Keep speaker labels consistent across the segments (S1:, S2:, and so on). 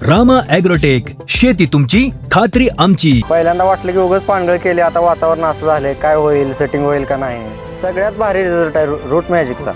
S1: Rama agrotech, शेती तुमची खात्री आमची.
S2: पहिल्यांदा वाटलं की उगाच पानगळ केली, आता वातावरण असं झालंय, काय होईल, सेटिंग होईल का नाही. सगळ्यात भारी रिझल्ट आहे रूट मॅजिकचा.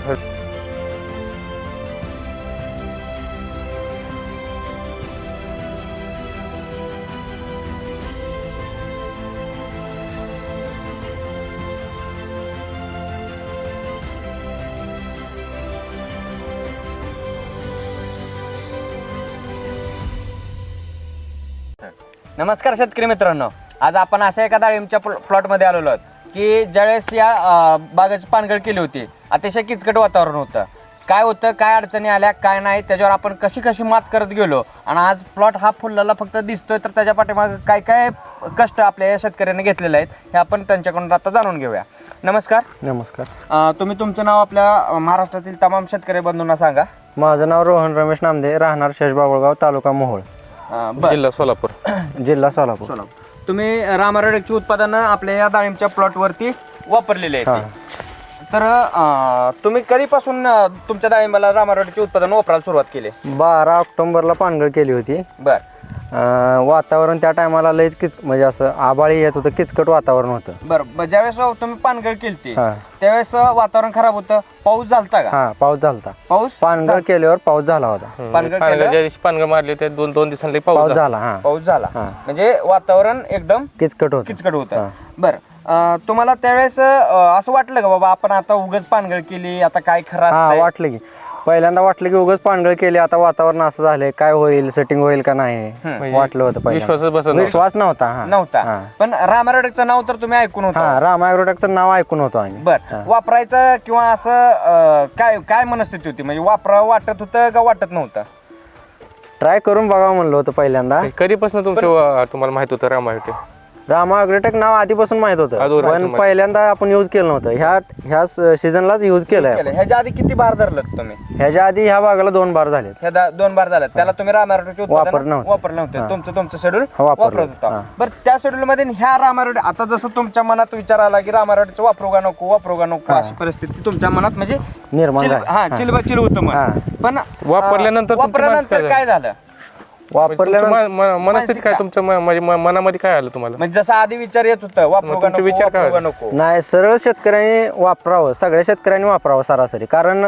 S3: नमस्कार शेतकरी मित्रांनो, आज आपण अशा एका डाळिंबच्या प्लॉटमध्ये आलेलो आहोत की ज्यावेळेस या बागेची पानगळ केली होती, अतिशय किचकट वातावरण होतं. काय होतं, काय अडचणी आल्या, काय नाही, त्याच्यावर आपण कशी कशी मात करत गेलो आणि आज प्लॉट हा फुललेला फक्त दिसतोय, तर त्याच्या पाठीमागे काय काय कष्ट आपल्या या शेतकऱ्यांनी घेतलेले आहेत हे आपण त्यांच्याकडून आता जाणून घेऊया. नमस्कार.
S2: नमस्कार.
S3: तुम्ही तुमचं नाव आपल्या महाराष्ट्रातील तमाम शेतकरी बंधूंना सांगा.
S2: माझं नाव रोहन रमेश नामदे, राहणार शेषबाबुळगाव, तालुका मोहोळ,
S3: जिल्हा सोलापूर.
S2: जिल्हा सोलापूर.
S3: तुम्ही रामारोडेकची उत्पादनं आपल्या या डाळिंबच्या प्लॉटवरती वापरलेले आहेत. तर तुम्ही कधीपासून तुमच्या डाळिंबाला रामारोडेकची उत्पादन वापरायला सुरुवात केली?
S2: 12 ऑक्टोबरला पानगळ केली होती.
S3: बर.
S2: वातावरण त्या टायमाला लयच म्हणजे असं आबाळी येत होतं, किचकट वातावरण होतं.
S3: बरं, ज्यावेळेस तुम्ही पानगळ केली
S2: हा.
S3: त्यावेळेस वातावरण खराब होतं, पाऊस झालता का?
S2: हा, पाऊस झालता. पानगळ केल्यावर पाऊस झाला होता.
S4: पानगळ मारले ते दोन दिवसांनी
S2: पाऊस झाला. हा,
S3: पाऊस झाला.
S2: हा.
S3: म्हणजे वातावरण एकदम
S2: किचकट
S3: होतं.
S2: हा.
S3: बरं, तुम्हाला त्यावेळेस असं वाटलं का बाबा आपण आता उगाच पानगळ केली, आता काय खरं असतंय?
S2: वाटलं की पहिल्यांदा वाटलं की उगाच पानगळ केली, आता वातावरण असं झालंय, काय होईल, सेटिंग होईल का नाही, वाटलं होतं. विश्वास नव्हता. पण रामारोडेकचं नाव तर तुम्ही ऐकून होता. हा, रामा ॲग्रोटेकचं नाव ऐकून होतो आम्ही.
S3: बर, वापरायचं किंवा असं काय काय मनस्थिती होती, म्हणजे वापरावं वाटत होतं का वाटत नव्हतं?
S2: ट्राय करून बघावं म्हणलं होतं पहिल्यांदा.
S4: कधीपासून तुम्हाला माहित होतं
S2: रामा ॲग्रोटेक नाव आधीपासून माहित होतं, पण पहिल्यांदा आपण युज केलं नव्हतं. ह्या सीझनलाच युज केलंय.
S3: ह्याच्या आधी किती बार धरलं तुम्ही?
S2: ह्याच्या आधी ह्या बागाला 2 बार झाले.
S3: ह्या 2 बार झालं. त्याला तुम्ही रामारोडेकचे
S2: वापरलं नव्हतं.
S3: तुमचं शेड्यूल
S2: वापरत
S3: वापरत होता. बरं, त्या शेड्यूल मध्ये ह्या रामारोडे, आता जसं तुमच्या मनात विचार आला की रामारोडेचं वापरू का नको, अशी परिस्थिती तुमच्या मनात म्हणजे
S2: निर्माण झाली.
S3: हा, चिलबचिल होतं मन. पण वापरल्यानंतर काय झालं?
S2: वापरल्यानंतर
S4: मनस्थिती काय तुमच्या मनामध्ये काय आलं तुम्हाला?
S3: म्हणजे जसं आधी विचार येत होतं, वापरू का नको?
S2: नाही, सरळ शेतकऱ्यांनी वापरावं, सगळ्या शेतकऱ्यांनी वापरावं सरासरी. कारण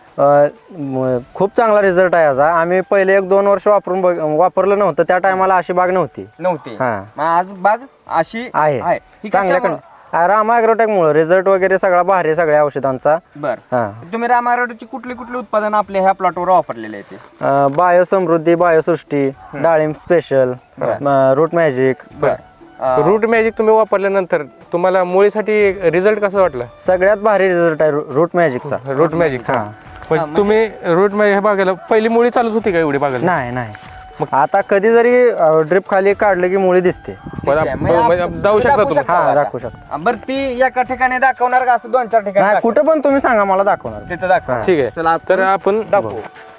S2: खूप चांगला रिझल्ट आहे याचा. आम्ही पहिले 1-2 वर्ष वापरलं नव्हतं, त्या टायमाला अशी बाग नव्हती. हा,
S3: आज बाग अशी
S2: आहे चांगल्याकडे. रामा ॲग्रोटेकमुळे रिझल्ट वगैरे सगळा भारी, सगळ्या औषधांचा.
S3: बरं, तुम्ही रामारोडेची कुठली उत्पादन आपल्या ह्या प्लॉटवर वापरलेले आहेत?
S2: बायोसमृद्धी, बायोसृष्टी, डाळिंब special, root magic.
S4: Root magic तुम्ही वापरल्यानंतर तुम्हाला मुळीसाठी रिझल्ट कसा वाटला?
S2: सगळ्यात भारी रिझल्ट आहे रूट मॅजिकचा.
S4: रूट मॅजिकचा. तुम्ही रूट मॅजिक बागेला पहिली मुळी चालत होती का एवढी बागेला?
S2: नाही. आता कधी जरी ड्रिप खाली काढलं की मुळी दिसते.
S4: जाऊ शकता तुम्ही?
S2: हा, दाखवू शकता.
S3: बरं, ती एका ठिकाणी दाखवणार का असं 2-4 ठिकाणी?
S2: नाही, कुठं पण तुम्ही सांगा, मला दाखवणार.
S3: तिथं दाखवा.
S4: ठीक आहे,
S3: चला
S4: तर आपण
S3: दाखवू.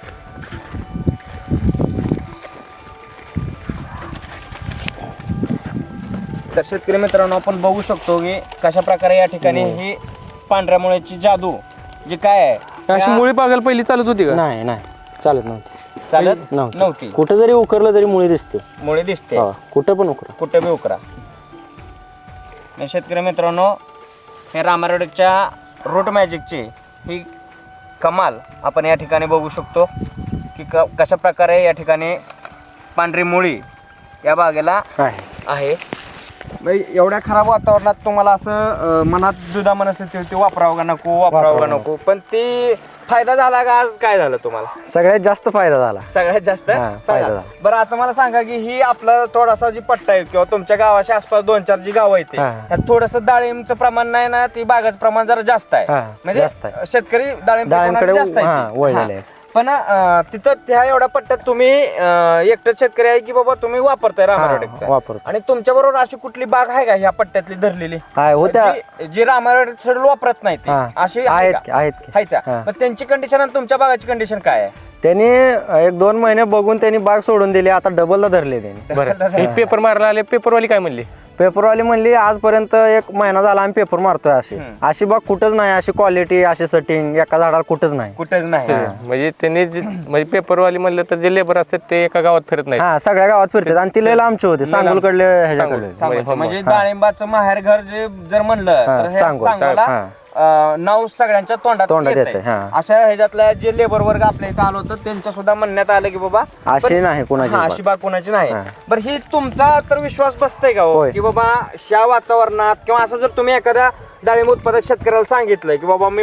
S3: तर शेतकरी मित्रांनो, आपण बघू शकतो की कशा प्रकारे या ठिकाणी ही पांढऱ्या मुळ्याची जादू जी काय आहे.
S4: अशी मुळी बागेला पहिली चालत होती का?
S2: नाही, चालत नव्हती. कुठं जरी उकरलं तरी मुळी दिसते.
S3: मुळे दिसते.
S2: कुठं पण उकरा,
S3: कुठे बी उकरा. शेतकरी मित्रांनो, हे रामारोडेकच्या रूट मॅजिकची ही कमाल आपण या ठिकाणी बघू शकतो की कशा प्रकारे या ठिकाणी पांढरी मुळी या बागेला आहे. एवढ्या खराब वातावरणात तुम्हाला असं मनात दुधा मनस्थिती होती, वापरावं का नको, पण ती फायदा झाला का? आज काय झालं तुम्हाला?
S2: सगळ्यात जास्त फायदा झाला.
S3: सगळ्यात जास्त
S2: फायदा झाला.
S3: बरं, आता मला सांगा की ही आपला थोडासा जी पट्टा आहे किंवा तुमच्या गावाच्या आसपास 2-4 जी गाव आहेत त्यात थोडंसं डाळिंबचं प्रमाण नाही ना, ती बागाचं प्रमाण जरा जास्त आहे. म्हणजे शेतकरी डाळिंबकडे जास्त आहे. पण तिथं त्या एवढ्या पट्ट्यात तुम्ही एकटं शेतकरी आहे की बाबा तुम्ही वापरताय रामारोडेकचा, आणि तुमच्या बरोबर अशी कुठली बाग आहे का ह्या पट्ट्यातली धरलेली जी रामारोडेक शेड्यूल वापरत नाही ती? अशी आहेत त्या. मग त्यांची कंडिशन आणि तुमच्या बागाची कंडिशन काय आहे?
S2: त्यांनी 1-2 महिने बघून त्यांनी बाग सोडून दिली, आता डबलला धरले त्यांनी.
S4: पेपर मारायला आले, पेपरवाली काय म्हणली?
S2: पेपरवाली म्हणली आजपर्यंत 1 महिना झाला आम्ही पेपर मारतोय अशी बाग कुठंच नाही, अशी क्वालिटी अशी सेटिंग एका झाडाला कुठंच नाही.
S4: म्हणजे त्यांनी म्हणजे पेपरवाली म्हणलं तर जे लेबर असतात ते एका गावात फिरत नाही.
S2: हा, सगळ्या गावात फिरतात आणि ती लय लांबचे होते, सांगोलकडले ह्याच्याकडले.
S3: म्हणजे डाळिंबाचं माहेर घर जे जर म्हणलं तर हे सांगोला नाव सगळ्यांच्या तोंडात येते. अशा ह्याच्यातल्या जे लेबर वर्ग आपल्या इथं आलो होतं त्यांच्या सुद्धा म्हणण्यात आलं की बाबा
S2: अशी नाही कोणाची
S3: अशी बाग कोणाची नाही. बरं, ही तुमचा तर विश्वास बसतंय का हो की बाबा ह्या वातावरणात किंवा असं जर तुम्ही एखाद्या डाळिंब उत्पादक शेतकऱ्याला सांगितलं की बाबा मी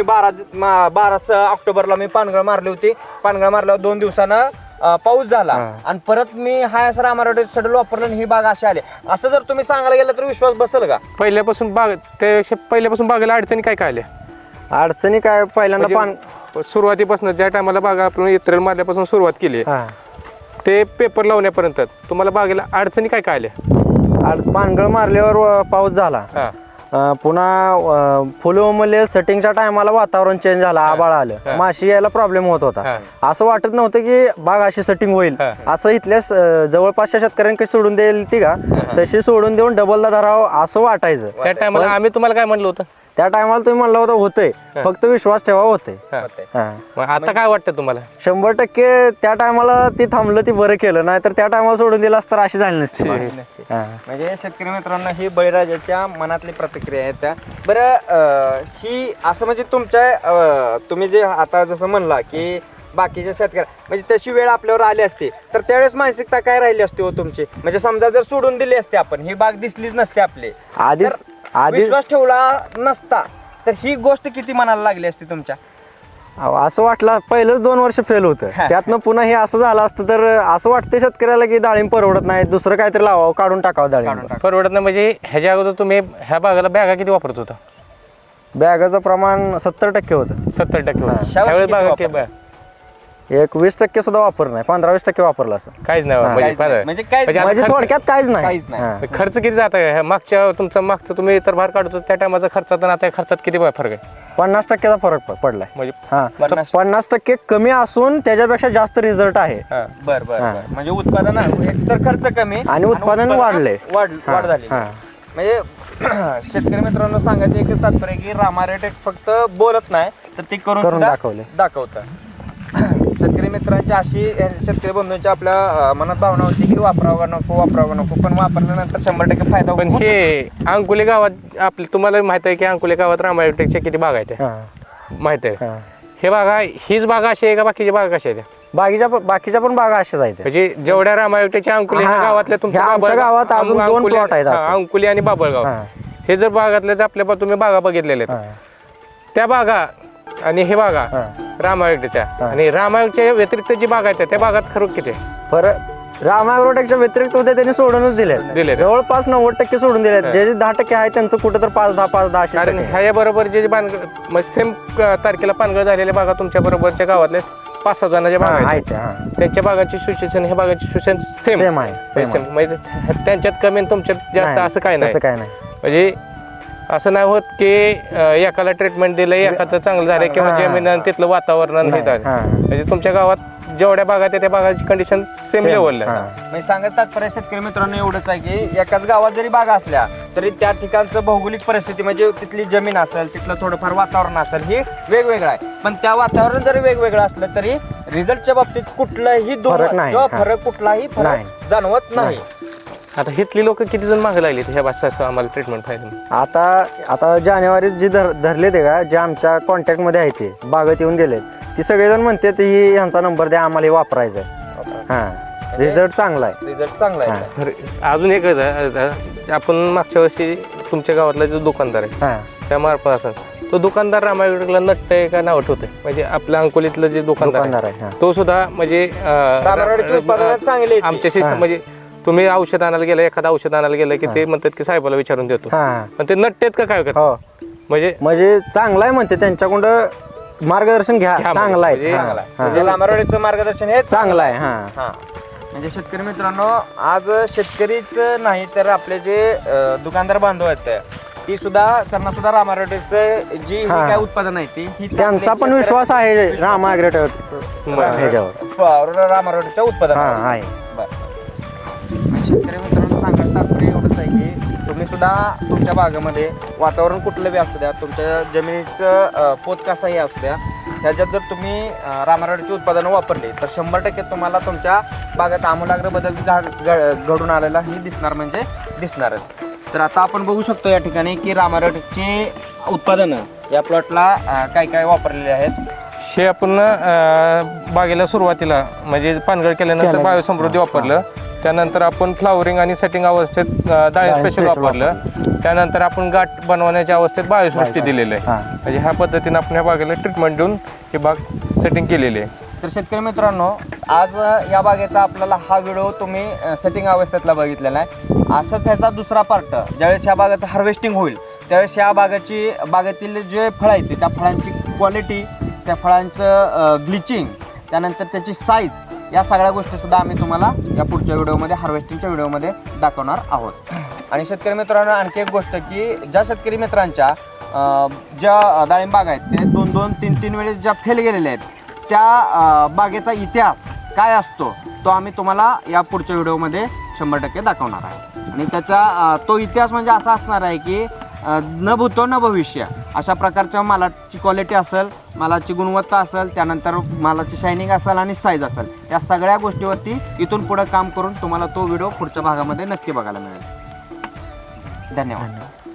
S3: 12 ऑक्टोबरला मी पानगळ मारली होती, पानगळ मारल्यावर 2 दिवसानं पाऊस झाला आणि परत मी हा असं रामारोटेचं शेड्यूल वापरलं आणि ही बाग अशी आली, असं जर तुम्ही सांगायला गेलं तर विश्वास बसेल का?
S4: पहिल्यापासून बागेला अडचणी काय काय आल्या?
S2: अडचणी काय, पहिल्यांदा
S4: सुरुवातीपासून ज्या टायमाला बागा आपण एप्रिल मारल्यापासून सुरुवात केली ते पेपर लावण्यापर्यंत तुम्हाला बागेला अडचणी काय काय आल्या?
S2: पानगळ मारल्यावर पाऊस झाला, पुन्हा फुलं उमलले, सेटिंगच्या टायमाला वातावरण चेंज झालं, आबाळ आलं, माशी यायला प्रॉब्लेम होत होता. असं वाटत नव्हतं की बाग अशी सेटिंग होईल, असं इथल्या जवळपासच्या शेतकऱ्यांकडे सोडून देईल ती का तशी सोडून देऊन डबलदा धरावं असं वाटायचं.
S4: त्या टायमाला आम्ही तुम्हाला काय म्हणलं होतं?
S2: त्या टायमाला तुम्ही म्हणलं होतं होतंय, फक्त विश्वास ठेवा होते.
S4: आता काय वाटतं तुम्हाला?
S2: 100% त्या टायमाला ती थांबलं ती बरं केलं, नाही तर त्या टायमाला सोडून दिलं असतं अशी झाली नसती.
S3: म्हणजे शेतकरी मित्रांनो ही बळीराजाच्या मनातली प्रतिक्रिया आहे त्या. बरं, ही असं म्हणजे तुमच्या तुम्ही जे आता जसं म्हणला की बाकीच्या शेतकऱ्या म्हणजे तशी वेळ आपल्यावर आली असते तर त्यावेळेस मानसिकता काय राहिली असते हो तुमची? म्हणजे समजा जर सोडून दिली असते आपण, ही बाग दिसलीच नसते आपली,
S2: आधीच
S3: विश्वास ठेवला नसता तर ही गोष्ट किती मनाला लागली असती तुमच्या?
S2: असं वाटलं पहिलंच 2 वर्ष फेल होतं, त्यातनं पुन्हा हे असं झालं असतं तर असं वाटतं शेतकऱ्याला की डाळिंब परवडत नाही, दुसरं काहीतरी लावावं, काढून टाकावं डाळिंब.
S4: परवडत नाही म्हणजे ह्याच्या अगोदर तुम्ही ह्या बागाला बॅगा किती वापरत होता?
S2: बॅगाचं प्रमाण 70% होतं.
S4: 70% होतं.
S2: एक 20% सुद्धा वापर नाही, 15-20% वापरला असं.
S4: काहीच नाही
S3: म्हणजे
S2: थोडक्यात काहीच नाही.
S4: खर्च किती जात आहे मागचं तुम्ही तर भार काढतो त्या टायमाचा खर्चात आणि आता खर्चात किती फरक आहे?
S2: 50%चा फरक पडलाय.
S4: म्हणजे
S2: 50% कमी असून त्याच्यापेक्षा जास्त रिझल्ट आहे.
S3: बरं म्हणजे उत्पादन एकतर खर्च कमी
S2: आणि उत्पादन वाढले,
S3: वाढ झाली. म्हणजे शेतकरी मित्रांनो सांगायचं एक तात्पर्य की रामारोटेक फक्त बोलत नाही तर ते करून दाखवतं. शेतकरी मित्रांची अशी शेतकरी बंधूंच्या आपल्या मनात भावना होती की वापरावं नको, पण वापरल्यानंतर 100% फायदा होतो.
S4: पण हे अंकुले गावात आपल्या तुम्हाला माहित आहे की अंकुले गावात रामारोटेकच्या किती बागा आहेत माहित आहे? हे बागा हीच बागा अशी आहे का बाकीच्या बागा कशा आहेत?
S2: बाकीच्या पण बागा अशाच आहेत.
S4: म्हणजे जेवढ्या रामारोटेकच्या अंकुले गावातल्या
S2: तुमच्या गावात अजून 2 प्लॉट आहेत
S4: अंकुली आणि बाबळगाव, हे जर बागातले आपल्या तुम्ही बागा बघितलेल्या त्या बागा आणि हे बागा रामायोगच्या आणि रामायोगच्या व्यतिरिक्त जी बागा आहेत त्या बागात खरं किती
S2: रामायोगच्या व्यतिरिक्त होते त्यांनी सोडूनच दिले, जवळपास 90% सोडून दिले. जे 10% आहे त्यांचं कुठं तर 5-10
S4: कारण ह्या बरोबर जे सेम तारखेला पानगळ झालेल्या बागा तुमच्या बरोबरच्या गावातल्या 5-6 जणांच्या बागा आहेत त्यांच्या बागाची सिच्युएशन ह्या बागाची सिच्युएशन सेम आहे. म्हणजे त्यांच्यात कमी तुमच्यात जास्त असं काय नाही. म्हणजे असं नाही होत की एकाला ट्रीटमेंट दिलं एकाचं चांगलं झालं किंवा जमीन तिथलं वातावरण हे झालं. म्हणजे तुमच्या गावात जेवढ्या बागा त्या बागाची कंडिशन सेम लेवलला.
S3: म्हणजे सांगत तात्पर्य शेतकरी मित्रांनो एवढंच आहे की एकाच गावात जरी बागा असल्या तरी त्या ठिकाणचं भौगोलिक परिस्थिती म्हणजे तिथली जमीन असेल, तिथलं थोडंफार वातावरण असेल, हे वेगवेगळं आहे. पण त्या वातावरण जरी वेगवेगळं असलं तरी रिझल्टच्या बाबतीत कुठलाही फरक कुठलाही फरक जाणवत नाही.
S4: आता हिथली लोक किती जण मागे लागले ह्या भाषा आम्हाला ट्रीटमेंट पाहिजे?
S2: आता जानेवारीत जे धरले ते का जे आमच्या कॉन्टॅक्ट मध्ये आहे ते बागेत येऊन गेले ती सगळेजण म्हणतात ही ह्यांचा नंबर द्या आम्हाला वापरायचा आहे. रिझल्ट चांगला आहे.
S4: अजून एक आपण मागच्या वर्षी तुमच्या गावातला जो दुकानदार आहे त्या मार्फत असेल तो दुकानदार रामायोगला नट्ट आहे का नाव ठेवते? म्हणजे आपल्या अंकोलीतलं जे दुकानदार आहे तो सुद्धा म्हणजे आमच्याशी म्हणजे तुम्ही औषध आणायला गेलं एखादं औषध आणायला गेलं की ते म्हणतात की साहेबाला विचारून देतो, पण ते नट्टेत का काय करतात?
S2: म्हणजे चांगलं आहे म्हणते त्यांच्याकडं मार्गदर्शन घ्या, चांगलं आहे.
S3: रामारोटेकचं मार्गदर्शन हे
S2: चांगलं आहे.
S3: म्हणजे शेतकरी मित्रांनो आज शेतकरीच नाही तर आपले जे दुकानदार बांधव आहेत ती सुद्धा त्यांना सुद्धा रामारोटेकचं जी काय उत्पादन आहे ती
S2: त्यांचा पण विश्वास आहे रामारोटेक
S3: रामारोटेकच्या उत्पादन आहे. शेतकरी मित्रांनो सांगायचं तात्पर्य एवढंच आहे की तुम्ही सुद्धा तुमच्या बागेमध्ये वातावरण कुठलं बी असू द्या, तुमच्या जमिनीचं पोत कसाही असू द्या, ह्याच्यात जर तुम्ही रामारोडची उत्पादनं वापरली तर 100% तुम्हाला तुमच्या बागेत आमूलाग्र बदल घडून आलेला ही दिसणार म्हणजे दिसणारच. तर आता आपण बघू शकतो या ठिकाणी की रामारोडची उत्पादनं या प्लॉटला काय काय वापरलेले आहेत.
S4: हे आपण बागेला सुरुवातीला म्हणजे पानगळ केल्यानंतर बायोसमृद्धी वापरलं. त्यानंतर आपण फ्लावरिंग आणि सेटिंग अवस्थेत डाळिंब स्पेशल वापरलं. त्यानंतर आपण गाठ बनवण्याच्या अवस्थेत बायोसृष्टी दिलेलं आहे. म्हणजे ह्या पद्धतीने आपण ह्या बागेला ट्रीटमेंट देऊन ही बाग सेटिंग केलेली आहे.
S3: तर शेतकरी मित्रांनो, आज या बागेचा आपल्याला हा व्हिडिओ तुम्ही सेटिंग अवस्थेतला बघितलेला आहे. असंच ह्याचा दुसरा पार्ट ज्यावेळेस या बागेचं हार्वेस्टिंग होईल त्यावेळेस या बागेतील जे फळं आहेत त्या फळांची क्वालिटी, त्या फळांचं ग्लिचिंग, त्यानंतर त्याची साईज, या सगळ्या गोष्टीसुद्धा आम्ही तुम्हाला या पुढच्या व्हिडिओमध्ये हार्वेस्टिंगच्या व्हिडिओमध्ये दाखवणार आहोत. आणि शेतकरी मित्रांनो, आणखी एक गोष्ट की ज्या शेतकरी मित्रांच्या ज्या डाळिंब बाग आहेत ते 2-2, 3-3 वेळेस ज्या फेल गेलेल्या आहेत त्या बागेचा इतिहास काय असतो तो आम्ही तुम्हाला या पुढच्या व्हिडिओमध्ये 100% दाखवणार आहे. आणि त्याचा तो इतिहास म्हणजे असा असणार आहे की न भूतो न भविष्य अशा प्रकारच्या मालाची क्वालिटी असेल, मालाची गुणवत्ता असेल, त्यानंतर मालाची शायनिंग असेल आणि साईज असेल, या सगळ्या गोष्टीवरती इथून पुढे काम करून तुम्हाला तो व्हिडिओ पुढच्या भागामध्ये नक्की बघायला मिळेल. धन्यवाद.